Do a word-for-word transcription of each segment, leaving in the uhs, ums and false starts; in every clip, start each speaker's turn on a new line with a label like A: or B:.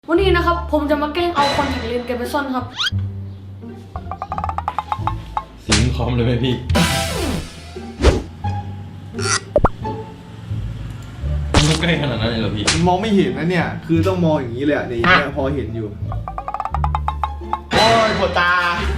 A: วันนี้นะครับผมจะมาแกล้งเอาคอนแทคเลนส์แกไปซ่อนครับ
B: สิงคอมเลยไหมพี่มันใกล้ขนาดนั้นเลยเหรอพี่
C: มองไม่เห็นนะเนี่ยคือต้องมองอย่างนี้เลยอ่ะนี่พอเห็นอยู่โอ้ยปวดตา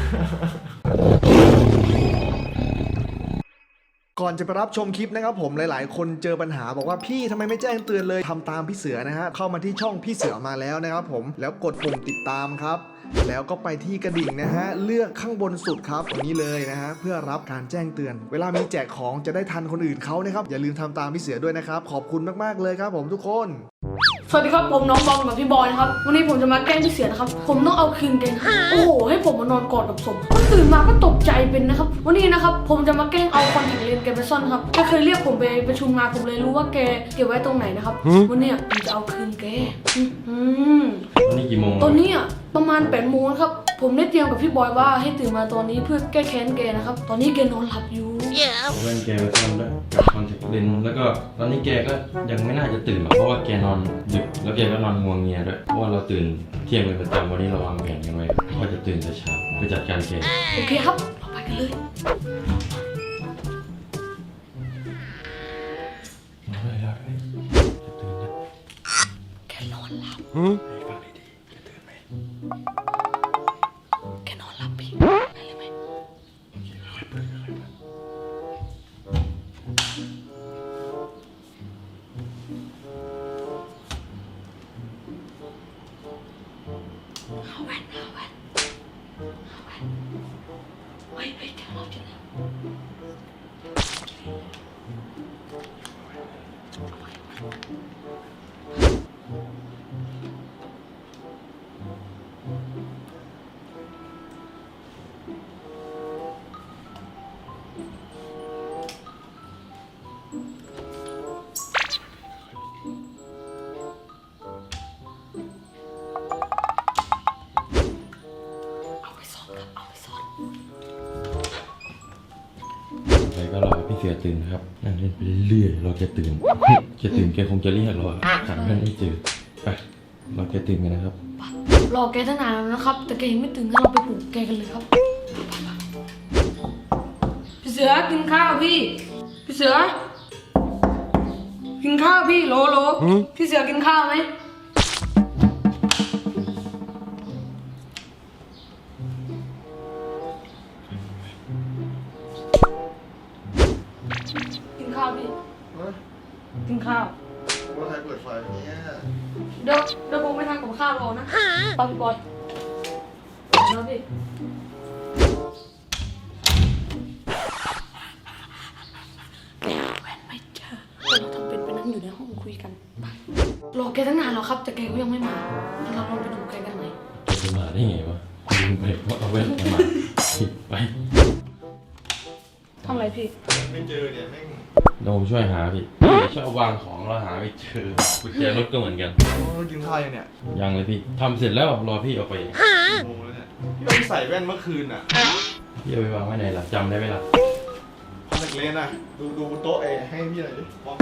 C: ก่อนจะไปรับชมคลิปนะครับผมหลายๆคนเจอปัญหาบอกว่าพี่ทำไมไม่แจ้งเตือนเลยทำตามพี่เสือนะฮะเข้ามาที่ช่องพี่เสือมาแล้วนะครับผมแล้วกดปุ่มติดตามครับแล้วก็ไปที่กระดิ่งนะฮะเลือกข้างบนสุดครับตรงนี้เลยนะฮะเพื่อรับการแจ้งเตือนเวลามีแจกของจะได้ทันคนอื่นเขานะครับอย่าลืมทำตามพี่เสือด้วยนะครับขอบคุณมากๆเลยครับผมทุกคน
A: สวัสดีครับผมน้องบอมกับพี่บอยนะครับวันนี้ผมจะมาแกล้งพี่เสือนะครับผมต้องเอาคืนแกโอ้โหให้ผมมานอนกอดกับศพตื่นมาก็ตกใจเป็นนะครับวันนี้นะครับผมจะมาแกล้งเอาคอนแทคเลนส์แกไปซ่อนครับแกเคยเรียกผมไปประชุมงานผมเลยรู้ว่าแกเก็บไว้ตรงไหนนะครับวันนี้ผมจะเอาคืนแกอืม
B: วันนี้กี่โมง
A: ตอนนี้อ่ะประมาณแปดโมงครับผมได้เตรียมกับพี่บอยว่าให้ตื่นมาตอนนี้เพื่อแก้แค้นแกนะครับตอนนี้แกนอนหลับอยู่
B: เพื่อนแกไปซ่อนด้วยกับคอนแทคเลนส์แล้วก็ตอนนี้แกก็ยังไม่น่าจะตื่นหรอกเพราะว่าแกนอนดึกแล้วแกก็นอนงัวเงียด้วยเพราะว่าเราตื่นเที่ยงเป็นประจำวันนี้เราวางแผนกันไว้ว่าจะตื่นแต่เช้าไปจัดการแก
A: โอเคครับเราไปกันเลยแกนอนหลับ
B: ฟังดีๆจะตื่นไหม
A: แกนอนหลับพี่ไปเลยไหม
B: โอเคค่อยเปิดค่อยเปิด
A: เอาแว่นเอาแว่นเอาแว่นเฮ้ยเฮ้ยแกนอนจริงแล้ว
B: ไปก็รอพี่เสือตื่นครับนั่งเล่นไปเรื่อยๆเราจะตื่นจะตื่นแกคงจะเรียกเราหาเพื่อนไม่เจอไปเราจะตื่นกันนะครับ
A: รอแกตั้งนานแล้วนะครับแต่แกยังไม่ตื่นงั้นเราไปปลุกแกกันเลยครับพี่เสือกินข้าวพี่พี่เสือกินข้าวพี่โหลโหลพี่เสือกินข้าวไหมกินข้าวพี่กินข้าว
C: ว่าใครเปิดไฟเนี่ย
A: เดี๋ยวเดี๋ยวผมไปทานกับข้าวรอนะไปพี่บอยนะพี่แว่นไม่เจอเราทำเป็นไปนั่งอยู่ในห้องคุยกันไปรอแกตั้งนานแล้วครับแต่แกก็ยังไม่มาเราลองไปดูแกกันไหม
B: แกจะมาได้ไงวะลืมไปว่าเอาแว่นมาไป
A: ทำอะไรพี่
C: ไม่เจอเนี่ยแม่ง
B: เดี๋ยวผมช่วยหาพี่ช่วยวางของเราหาไม่เจอกุญแจรถก็เหมือนกัน
C: กินข้าวยังเนี่ย
B: ยังเลยพี่ทำเสร็จแล้วรอพี่ออกไป
C: โมงแล้วเนี่ยพี่ต้องใส่แว่นเมื่อคืนอ่ะ
B: พี่เอาไปวางไว้ไหนล่ะจำได้ไหมล่ะ
C: คอนแทคเลนส์อ่ะดูดูบนโต๊ะเอให้พี่หน่อยดิมอง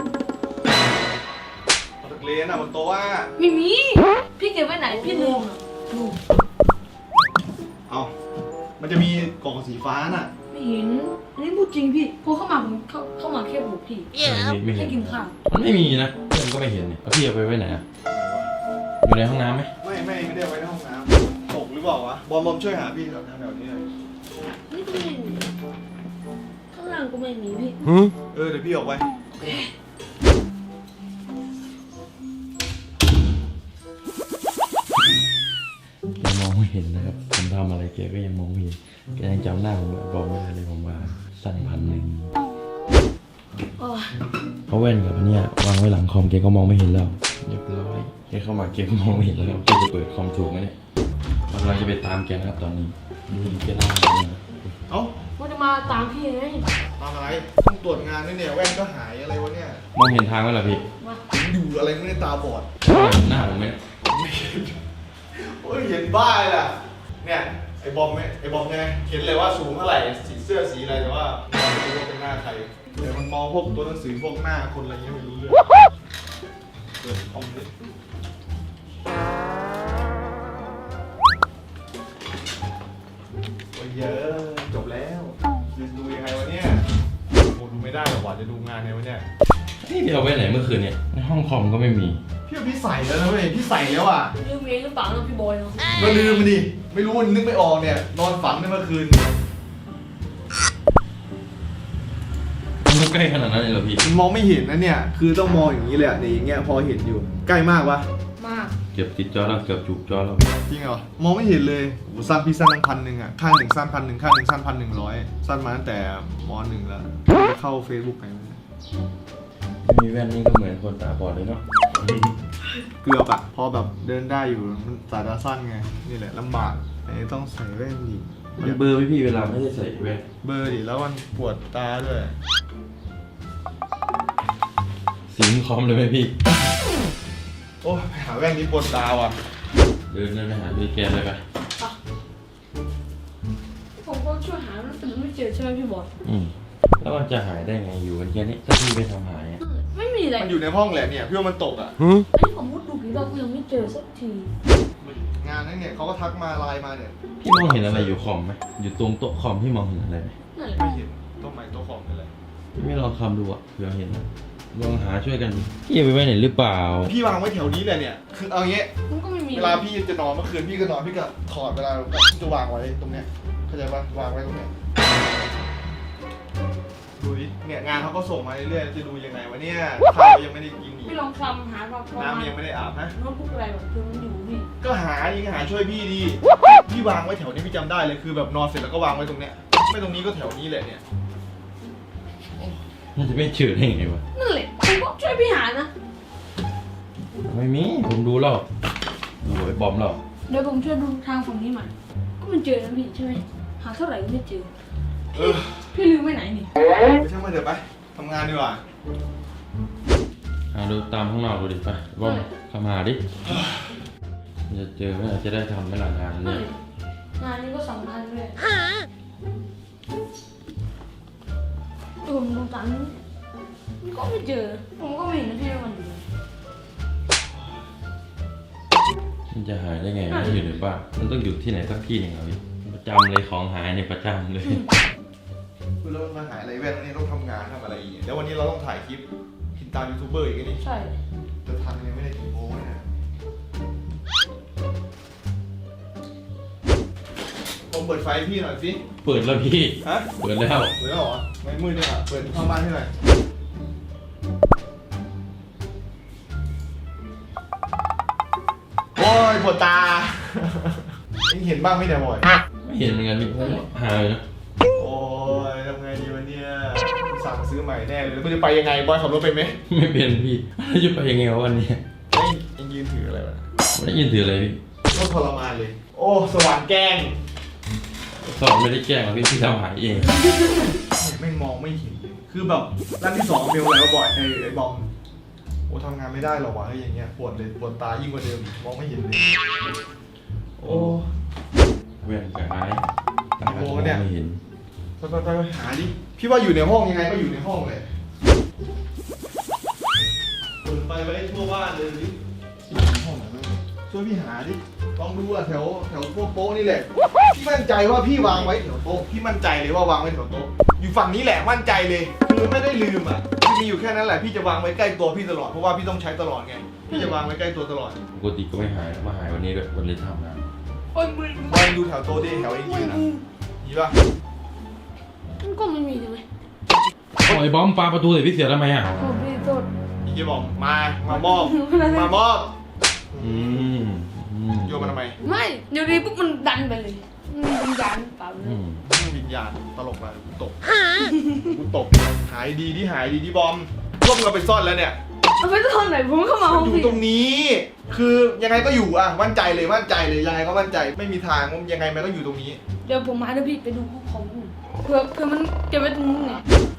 C: คอนแทคเลนส์อ่ะบนโต๊ะว่า
A: ไม่มีพี่เก็บไว้ไหนพี่ลืมลืม
C: เอามันจะมีกล่องสีฟ้าน่ะ
A: ไม่เห็นอันนี้พูดจริงพี่พอเข้ามาผมเข้าเข้ามาแค่บุกพี่
B: ไม่เห็น
A: กินข้าว
B: มันไม่มีนะเพื่อนก็ไม่เห็นเนี่ยแล้วพี่เอาไปไว้ไหนอ่ะอยู่ในห้องน้ำไหม
C: ไม่ไม่ไม่ได้ไว้ในห้องน้ำตกหรือเปล่าวะบอมบอมช่วยหาพี่แถวแถวนี้หน่อย
A: นี่ก็ไม่มีข้างล่างก็ไม่มีพี่
C: เออเดี๋ยวพี่ออกไป
B: แกมองไม่เห็นนะครับผมทำอะไรแกก็ยังมองไม่เห็นแกยังจำหน้าผมบอกไม่ได้เลยผมว่าสั่งพันหนึ่งเพราะแว่นกับอันเนี้ยวางไว้หลังคอมแกก็มองไม่เห็นแล้วเรียบร้อยแกเข้ามาแกก็มองไม่เห็นแล้วแกจะเปิดคอมถูกไหมเนี่ยเราจะไปตามแกนะครับตอนนี้นี่แกเล่าเลย
C: เอ้า
A: ว่าจะมาตามพี่ไง
C: ตามอะไรต้องตรวจงานด้วยเนี่ยแว่นก็หายอะไรวะเนี่ย
B: มองเห็นทางไหมล่ะพี่
C: อยู่อะไรไม่ได้ตาบอด
B: หน้าผมไหม
C: โอ้ยเห็นบ้าเลยล่ะเนี่ยไอ้บอมไหมไอ้บอมไงเห็นเลยว่าสูงเท่าไหร่สีเสื้อสีอะไรแต่ว่าไม่รู้ว่าเป็นหน้าใครเดี๋ยวมันมองพวกตัวหนังสือพวกหน้าคนอะไรเงี้ยไม่รู้เรื่องเกิดคอมเลยจะดูงานในวันเนี้ย
B: นี่พี่เอาไว้ไหนเมื่อคืนเนี่ยในห้องคอมก็ไม่มี
C: พี่เอาพี่ใส่แล้วนะเว้ยพี่ใส่แล้วอ่ะ
A: ลืมเองหรือเปล่านะพี่บอยเนาะ
C: ก็ลืมมันดิไม่รู้มันนึกไม่ออกเนี่ยนอนฝันในเมื่อคืน
B: มันใกล้ขนาดนั้นเลยเหรอพี่
C: มันมองไม่เห็นนะเนี่ยคือต้องมองอย่างนี้เลยอ่ะนี่อย่างเงี้ยพอเห็นอยู่ใกล้มากปะ
A: มาก
B: เกือบติดจอแล้วเกือบจุกจอแล้ว
C: จริงเหรอมองไม่เห็นเลยโอ้สั้นพี่สั้นตั้งพันหนึ่งอ่ะข้างหนึ่งสั้นพันหนึ่งข้างหนึ่งสั้นพันหนึ่งร้อยสั้นมาตั้งแต่มหนึ่งแล้วเข้า Facebook ไป
B: ไม่มีแว่นนี่ก็เหมือนคนตาบอดเลยเนาะ
C: เกือบอะพอแบบเดินได้อยู่มันสายตาสั้นไงนี่แหละลำบากไอ้ต้องใส่แว่นอีก
B: มันเบลอร์ไหมพี่เวลาไม่ได้ใส่แว่น
C: เบอร์ดิแล้วมันปวดตาด้วย
B: สิงคอมเลยไหมพี่
C: โอ้ยไปหาแว่นนี้ปวดตาว่ะ
B: เดินเดินไปหาพี่แกเลยไป
A: ผมก็ช่วยหาแต่มันไม่เจอใช่ไหมพี่บอย
B: อืมแล้วมันจะหายได้ไงอยู่กันแค่นี้ถ้าพี่ไปทำหายอะ
A: ไม่มีอะไร
C: มันอยู่ในห้องแหละเนี่ยพี่ว่ามันตกอะ
A: ไอ้ผมมุดดูกี่รอบก็ยังไม่เจอสักที
C: งานนั้นเนี่ยเขาก็ทักมาไลน์มาเนี่ย
B: พี่มองเห็นอะไรอยู่คอมไหมอยู่ตรงโต๊ะคอมพี่มองเห็นอะไรไหม
A: นั่นแหละ
C: ไม่เห็นต้นไม้ต้นของอะไร
B: พี่ไม่ลองคำดูอะเผื่อเห็นนะลองหาช่วยกันดิพี่เอาไปไว้ไหนหรือเปล่า
C: พี่วางไว้แถวนี้เลยเนี่ยคือเอางี้
A: มันก็ไม่มี
C: เวลาพี่จะนอนเมื่อคืนพี่ก็นอนพี่ก็ถอดเวลาพี่จะวางไว้ตรงเนี้ยเข้าใจปะวางไว้ตรงเนี้ยดูดิเนี่ยงานเขาก็ส่งมาเรื่อยๆจะดูยังไงวะเนี่ยข้าวยังไม่ได้กินอีก
A: พี่ลองคลำหาแบบประมาณ
C: น้ำยังไม่ได้อาบนะ
A: โน้ตบุ๊กอะไรแบบคือมันอยู่พี่
C: ก็หายิงหาช่วยพี่ดี พี่วางไว้แถวนี้พี่จำได้เลยคือแบบนอนเสร็จแล้วก็วางไว้ตรงเนี้ย ไม่ตรงนี้ก็แถวนี้แหละเนี่ย
B: มันจะไม่เจอได้ไงวะ
A: นั่นแหละผมก็ช่วยพี่หานะ
B: ไม่มีผมดูแล้วดูไอ้บอมแล้ว
A: เดี๋ยวผมช่วยดูทางฝั่งนี้ใหม่ก็มันเจอนะพี่ใช่ไหมหาเท่าไหร่ก็ไม่เจอ
C: เออ
A: พี่ลืมไว้ไหนนี่
C: ไปช่างมันเถอะไปทำงานดีกว่า
B: หาดูตามข้างนอกดูดิไปบอมเข้ามาดิจะเจอไหมจะได้ทำไหมล่ะงาน
A: นั่น
B: เนี่ย
A: แหละงานนี้ก็สำคัญด้วยผมดูตามนี้มันก็ไม่เจอ ผมก็ไม่เห็นนะพี่ว่ามันอยู่ไหน
B: มันจะหายได้ไงมันอยู่ในบ้านมันต้องอยู่ที่ไหนสักที่หนึ่งเหรอพี่ประจำเลยของหายในประจำเลย
C: คือเรามาหาอะไรแว่นวันนี้ต้องทำงานทำอะไรอีกแล้ววันนี้เราต้องถ่ายคลิปติดตามยูทูบเบอร์อีกนี่
A: ใช่
C: จะทันยังไม่ได้กี่โมงเนี่ยผมเปิดไฟให้พี่หน่อยสิ
B: เปิดแล้วพี่
C: ฮะ
B: เปิดแล้ว
C: เปิดแล้วเหรอไม่มืดเนี่ยเปิดเข้าบ้านให้หน่อยโอ้ยปวดตา เอ็งเห็นบ้างไหมเนี่ยบอย
B: ไม่เห็นเหมือนกันพี่หายนะ
C: โอ้ยทำไงดีวะเนี่ยสั่งซื้อใหม่แน่เลยแล้วมันจะไปยังไงบอยขับรถไปไหม
B: ไม่เป็นพี่แล้วจะไปยังไงวะวันนี้
C: เอ็งเอ็งยืนถืออะไรวะ
B: ไม่ได้ยินถืออะไรพี่
C: โคตรทรมานเลย โอ้สว่านแกล้ง
B: สอนไม่ได้แกล้งหรอกพี่พี่ทำหายเอง
C: ไม่มองไม่เห็นเลยคือแบบร้านที่สองเบลอะไรวะบอยไอ้ไอ้บอมโอ้ทำงานไม่ได้หรอวะไอ้อย่างเงี้ยปวดเลยปวดตายิ่งกว่าเดิมอีกมองไม่เห็นเลยโอ้
B: เว้นกับหายตาก็มองไม่เห็น
C: ไปไปไปหาดิพี่ว่าอยู่ในห้องยังไงก็อยู่ในห้องเลยเปิดไฟไว้ทั่วบ้านเลยดิอยู่ในห้องไหนบ้างช่วยพี่หาดิลองดูอะแถวแถวพวกโต๊ะนี่แหละพี่มั่นใจว่าพี่วางไว้แถวโต๊ะพี่มั่นใจเลยว่าวางไว้แถวโต๊ะอยู่ฝั่งนี้แหละมั่นใจเลยคือไม่ได้ลืมอ่ะพี่มีอยู่แค่นั้นแหละพี่จะวางไว้ใกล้ตัวพี่ตลอดเพราะว่าพี่ต้องใช้ตลอดไงพี่จะวางไว้ใกล้ตัวตลอด
B: ปกติก็ไม่หายมาหายวันนี้ด้วยวันนี้ทำงาน
A: โอ้ยมือ
C: มองดูแถวโต๊ะดิแถวเองยืนนะดีป่ะ
A: มันก็ไม่มีใช่ไหม
B: ไอ้บอมปาประตูใส่พี่เสือทำไมอ่ะ
A: โอ้พี่โทษ
C: อีกทีบอกมามามอบมามอบ
B: อืมอืม
C: โยนมาทำไม
A: ไม่เดี๋ยวนี้ปุ๊บมันดันไปเลยมันวิญญาณเปล่าเล
B: อื
A: ย
B: ม
C: วิญญาณตลกมากูตกกูตกหายดีที่หายดีที่บอมร่วมกันไปซ่อนแล้วเนี่ย
A: เอาไปตอนไหนผมเข้ามา
C: มั
A: ห้
C: น
A: อง
C: อยู่
A: พี่
C: ตรงนี้ คือยังไงก็อยู่อ่ะมั่นใจเลยมั่นใจเลยยังไงก็มั่นใจไม่มีทางว่ายังไงมันก็อยู่ตรงนี้
A: เดี๋ยวผมมาเดี๋ยวพี่ไปดูห้องของผมเผื่อเผื่อมันเก็บไว้ตรงนู้นไง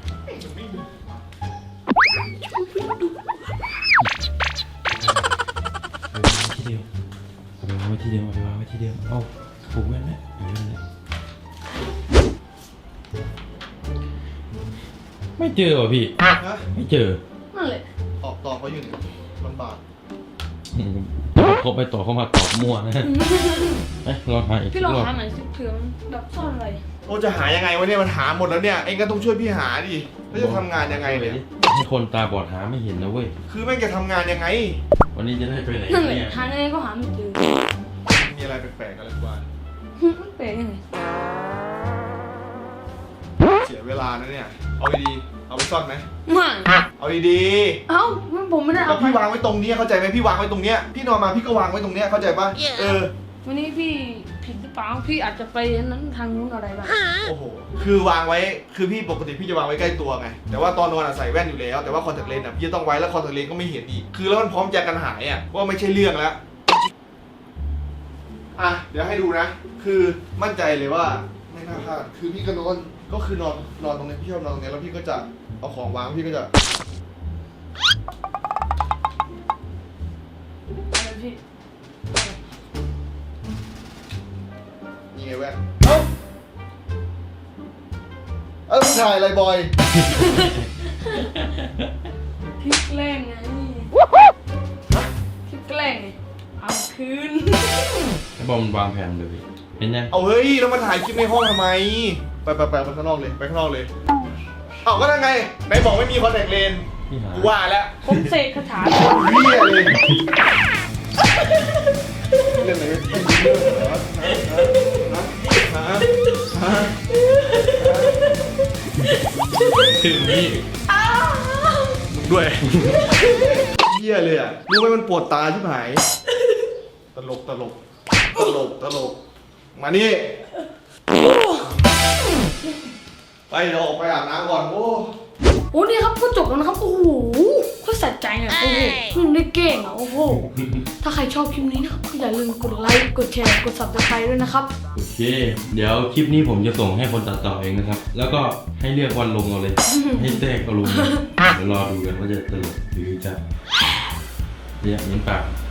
B: ที่เดียวเอาไปวางไว้ที่เดียวเอาไปวางไว้ที่เดียวเอาผูกไว้ไหมเอาไว้เลยไม่เจอว่ะพี่
C: ฮะ
B: ไม่เจอ
A: นั่นแหละ
C: ออกต่อเขาอยู่เนี่ยลำบาก
B: อืมเขาไปต่อเขามาตอบมั่วนะเอ้ยลองหาอีก
A: พี่ลอง
B: รอบ
A: หาหน่อยสิเผื่อมันแบบซ่อนอะไร
C: โอ้จะหายังไงวะเนี่ยมันหาหมดแล้วเนี่ยเองก็ต้องช่วยพี่หาดิแล้วจะทำงานยังไงเนี่ย
B: ให้คนตาบอดหาไม่เห็นนะเว้ย
C: คือแม่งจะทำงานยังไง
B: วันนี้จะได้ไปไหน
A: นั่นแหละ
B: เนี่ย
A: หายังไงก็หาไม่เจอ
C: มีอะไรแปลกๆอะไรบ้าง
A: มันแปลกยังไง
C: เสียเวลานะเนี่ยเอาดีๆเอาไปซ่อนไหม
A: ไม่
C: เอาดี
A: เอ้ามันผมไม่ได้
C: ๆแล้
A: เอา
C: ว
A: ไป
C: พี่วางไว้ตรงนี้เข้าใจไหมพี่วางไว้ตรงเนี้ยพี่นอนมาพี่ก็วางไว้ตรงเนี้ยเข้าใจป่ะเออ
A: วันนี้พี่ผิดหรือเปล่าพี่อาจจะไปนั้นทางนู้นอะไรบ้าง
C: โอ้โหคือวางไว้คือพี่ปกติพี่จะวางไว้ใกล้ตัวไงแต่ว่าตอนนอนอะใส่แว่นอยู่แล้วแต่ว่าคอนแทคเลนส์อะพี่จะต้องไว้แล้วคอนแทคเลนส์ก็ไม่เห็นอีกคือแล้วมันพร้อมจะกันหายอะว่าไม่ใช่เรื่องแล้วอ่ะเดี๋ยวให้ดูนะ คือมั่นใจเลยว่าไม่น่าพลาดคือพี่ก็นอนก็คือนอนนอนตรงนี้พี่ชอบนอนตรงนี้แล้วพี่ก็จะเอาของวางพี่ก็จะ
A: อะไรพี่
C: นี่ไงแว่นเอ้าเอ้ามึงถ่ายอะไรบอย
A: พี่แกล้งไงพี่แกล้งไงเอาคืน
B: ไอ้บอมมันวางแผนเลยพี่เห็นยัง
C: เอาเฮ้ยแล้วมาถ่ายคลิปในห้องทำไมไปไปไปไปข้างนอกเลยไปข้างนอกเลยเอาก็ได้ไงไหนบอกไม่มีคอนแทคเลนส์
B: พี่หา
C: กูว่าแล้ว
A: ผมเสกคาถา
C: เฮียเลยเล่นอะไรไม่เป็นเรื่องเหรอฮะฮะฮะ
B: ถึงนี่
C: มึงด้วยเฮียเลยอ่ะรู้ไหมมันปวดตาชิบหายตลกตลกตลกตลกมานี่ไปเดี๋ยวออกไปอาบน้ำก่อนโอ้
A: โอ้นี่ครับก็จบแล้วนะครับโอ้โหก็สะใจอ่ะโอ้โหมันได้เก่งอ่ะโอ้โหถ้าใครชอบคลิปนี้นะครับก็อย่าลืมกดไลค์กดแชร์กด ซับสไครบ์ ด้วยนะครับ
B: โอเค เดี๋ยวคลิปนี้ผมจะส่งให้คนตัดต่อเองนะครับ แล้วก็ให้เลือกวันลงเอาเลย ให้แทรกเอาลงเลยเดี๋ยวรอดูกันว่าจะตลกหรือจะเรียกนิ้นปาก